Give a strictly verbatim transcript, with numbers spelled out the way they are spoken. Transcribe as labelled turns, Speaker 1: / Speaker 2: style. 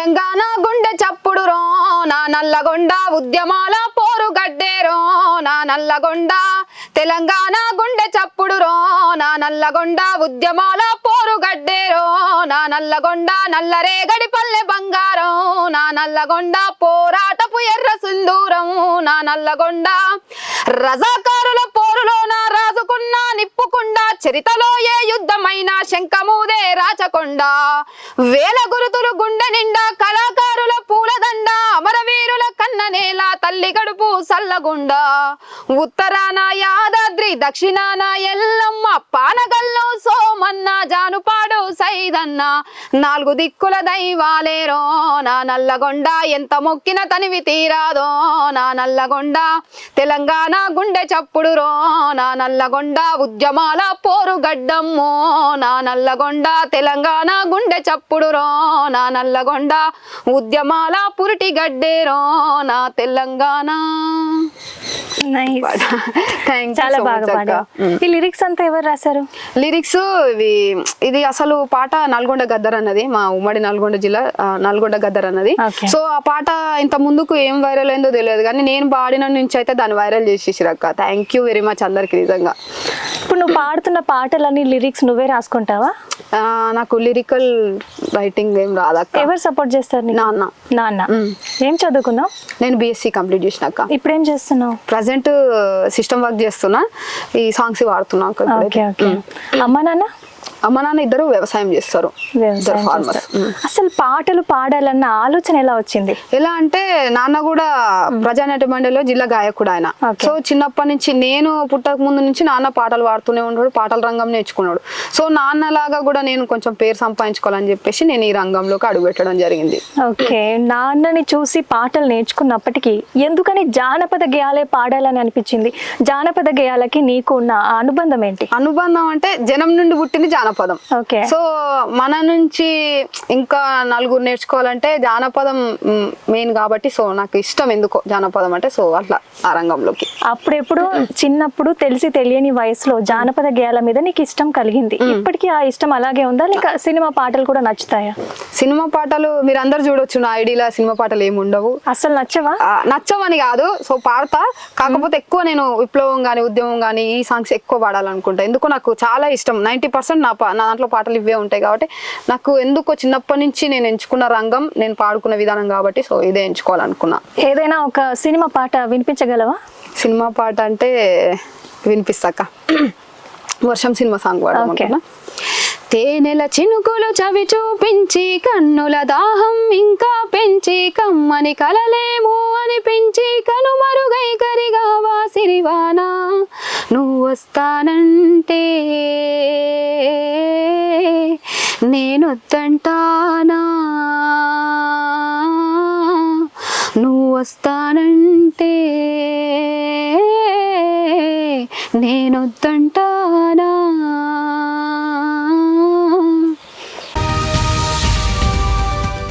Speaker 1: తెలంగాణ గుండె చప్పుడు రో నా నల్లగొండ ఉద్యమాల పోరు గడ్డేరో నా నల్లగొండ తెలంగాణ గుండె చప్పుడు రో నా నల్లగొండ ఉద్యమాల పోరు గడ్డేరో నా నల్లగొండ నల్లరేగడి పల్లె బంగారం నా నల్లగొండ పోరాటపు ఎర్ర సింధూరం నా నల్లగొండ రజాకారుల పోరులో నా రాజుకున్న నిప్పుకుండా చరితలో ఏ యుద్ధమైన శంఖమూదే రాచకొండ వేల గురుతులు గుండె నిండా కళాకారుల పూలదండ అమరవీరుల కన్ననేల తల్లి గడుపు సల్లగుండ ఉత్తరాన యాదాద్రి దక్షిణాన ఎల్లమ్మ పానగల్లో సోమన్న జానుపాడు సైదన్న నాలుగు దిక్కుల దైవాలేరో నా నల్లగొండ ఎంత మొక్కిన తనివి తీరాదో నా నల్లగొండ తెలంగాణ గుండె చప్పుడు రో నా నల్లగొండ ఉద్యమాల పోరు గడ్డమ్మో నా నల్లగొండ తెలంగాణ గుండె చప్పుడు రో నా నల్లగొండ ఉద్యమాల పురిటి గడ్డేరో నా తెలంగాణ.
Speaker 2: చాలా బాగా పాడారు. ఈ లిరిక్స్ అంతా ఎవరు రాశారు?
Speaker 1: లిరిక్స్ ఇవి ఇది అసలు పాట నల్గొండ గద్దర్ అన్నది, మా ఉమ్మడి నల్గొండ జిల్లా నల్గొండ గద్దర్ అన్నది. సో ఆ పాట ఇంత ముందుకు ఏం వైరల్ అయిందో తెలియదు కానీ నేను పాడిన నుంచి అయితే దాన్ని వైరల్ చేసేసిరక్క. థ్యాంక్ యూ వెరీ మచ్ అందరికి నిజంగా.
Speaker 2: ఇప్పుడు నువ్వు పాడుతున్న పాటలన్నీ లిరిక్స్ నువ్వే రాసుకుంటావా?
Speaker 1: నాకు లిరికల్ రైటింగ్ ఏం రాదక్క.
Speaker 2: ఎవరు సపోర్ట్ చేస్తారు? నాన్న. నాన్న ఏం చదువుకున్నావు?
Speaker 1: నేను బిఎస్సి కంప్లీట్ చేసినాక.
Speaker 2: ఇప్పుడు ఏం చేస్తున్నావు?
Speaker 1: ప్రజెంట్ సిస్టమ్ వర్క్ చేస్తున్నా, ఈ సాంగ్స్ వాడుతున్నా.
Speaker 2: అమ్మ నాన్న?
Speaker 1: అమ్మ నాన్న ఇద్దరు వ్యవసాయం చేస్తారు.
Speaker 2: అసలు పాటలు పాడాలన్న ఆలోచన ఎలా వచ్చింది?
Speaker 1: ఎలా అంటే నాన్న కూడా ప్రజానాట్య మండలిలో జిల్లా గాయకుడు ఆయన. సో చిన్నప్పటి నుంచి నేను పుట్టక ముందు నుంచి నాన్న పాటలు పాడుతూనే ఉన్నాడు, పాటల రంగం నేర్చుకున్నాడు. సో నాన్న లాగా కూడా నేను కొంచెం పేరు సంపాదించుకోవాలని చెప్పేసి నేను ఈ రంగంలోకి అడుగు పెట్టడం జరిగింది.
Speaker 2: ఓకే, నాన్నని చూసి పాటలు నేర్చుకున్నప్పటికీ ఎందుకని జానపద గేయాలే పాడాలని అనిపించింది? జానపద గేయాలకి నీకు ఉన్న అనుబంధం ఏంటి?
Speaker 1: అనుబంధం అంటే జనం నుండి పుట్టింది జానపదం. సో మన నుంచి ఇంకా నలుగురు నేర్చుకోవాలంటే జానపదం మెయిన్ కాబట్టి సో నాకు ఇష్టం ఎందుకో జానపదం అంటే. సో అట్లా ఆ రంగంలోకి
Speaker 2: అప్పుడెప్పుడు చిన్నప్పుడు తెలిసి తెలియని వయసులో జానపద గేయాల మీద నీకు ఇష్టం కలిగింది. ఇప్పటికీ ఆ ఇష్టం అలాగే ఉందా లేక సినిమా పాటలు కూడా నచ్చుతాయా?
Speaker 1: సినిమా పాటలు మీరు అందరు చూడొచ్చు, నా ఐడియాలో సినిమా పాటలు ఏమి ఉండవు.
Speaker 2: అసలు నచ్చవా?
Speaker 1: నచ్చవని కాదు, సో పాడతా. కాకపోతే ఎక్కువ నేను విప్లవం గానీ ఉద్యమం గానీ ఈ సాంగ్స్ ఎక్కువ పాడాలనుకుంటా. ఎందుకో నాకు చాలా ఇష్టం. నైన్టీ పర్సెంట్ నా నా దాంట్లో పాటలు ఇవే ఉంటాయి కాబట్టి నాకు ఎందుకో చిన్నప్పటి నుంచి నేను ఎంచుకున్న రంగం నేను పాడుకున్న విధానం కాబట్టి సో ఇదే ఎంచుకోవాలనుకున్నా.
Speaker 2: ఏదైనా ఒక సినిమా పాట వినిపించగలవా?
Speaker 1: సినిమా పాట అంటే వినిపిస్తాక వర్షం సినిమా సాంగ్ పాడమనుకున్నా. తేనెల చినుకులు చవి చూపించి కన్నుల దాహం ఇంకా పెంచి కమ్మని కలలేమో అనిపించి కనుమరుగై కరిగావా సిరివానా నువ్వు వస్తానంటే నేనొద్దంటానా నువ్వు వస్తానంటే నేనొద్దంటానా